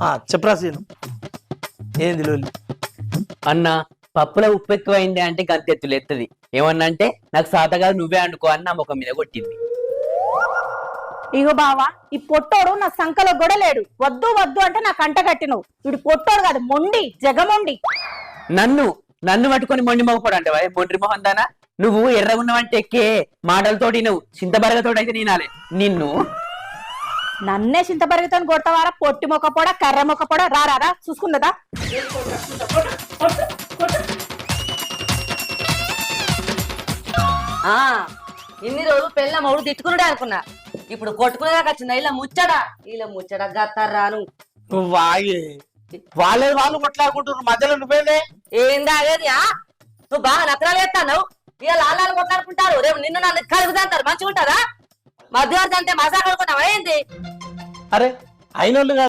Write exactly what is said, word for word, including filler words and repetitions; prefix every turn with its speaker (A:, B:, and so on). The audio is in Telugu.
A: చెప్పరా సీను ఏంది లోలి?
B: అన్న పప్పులో ఉప్పు ఎక్కువైంది అంటే గంతెత్తులు ఎత్తది. ఏమన్నా అంటే నాకు సాతగా నువ్వే అనుకో అని నా ముఖం మీద కొట్టింది.
C: ఇగో బావా, ఈ పొట్టోడు నా సంకలో గొడలేడు. వద్దు వద్దు అంటే నా కంట కట్టినవు. వీడు పొట్టోడు కాదు, మొండి జగమొండి.
B: నన్ను నన్ను పట్టుకొని మొండి మొగపోడు అంటే మొండ్రి మొహం దానా? నువ్వు ఎర్రగున్నావంటే ఎక్కే మాటలతోటి నువ్వు చింతబరగతోటి అయితే నేనాలే నిన్ను.
C: నన్నే చింతబరిగితో కొడతావారా? పొట్టి మొక్క పొడ కర్ర మొక్క పొడ రారా చూసుకుందా?
D: ఆ ఇన్ని రోజులు పెళ్ళ మౌడు తిట్టుకున్నాడే అనుకున్నా. ఇప్పుడు కొట్టుకునేదాకా వచ్చిందా ఇలా ముచ్చడా? ఇలా ముచ్చడా గత్తారాను.
A: నువ్వు వాగే వాళ్ళే వాళ్ళు కొట్లాడుకుంటున్నారు, మధ్యలో నువ్వేలే.
D: ఏందా అదేది? ఆ నువ్వు బాగా నత్తరాలు ఎత్తాను. ఇక లాలాలు కొట్లాడుకుంటారు, రేపు నిన్ను నన్ను కలుగుతాంటారు. మంచిగా ఉంటుందా? మధ్యవర్తి అంటే మజా కలుగుతున్నావా ఏంది?
A: అరే అయినోళ్ళు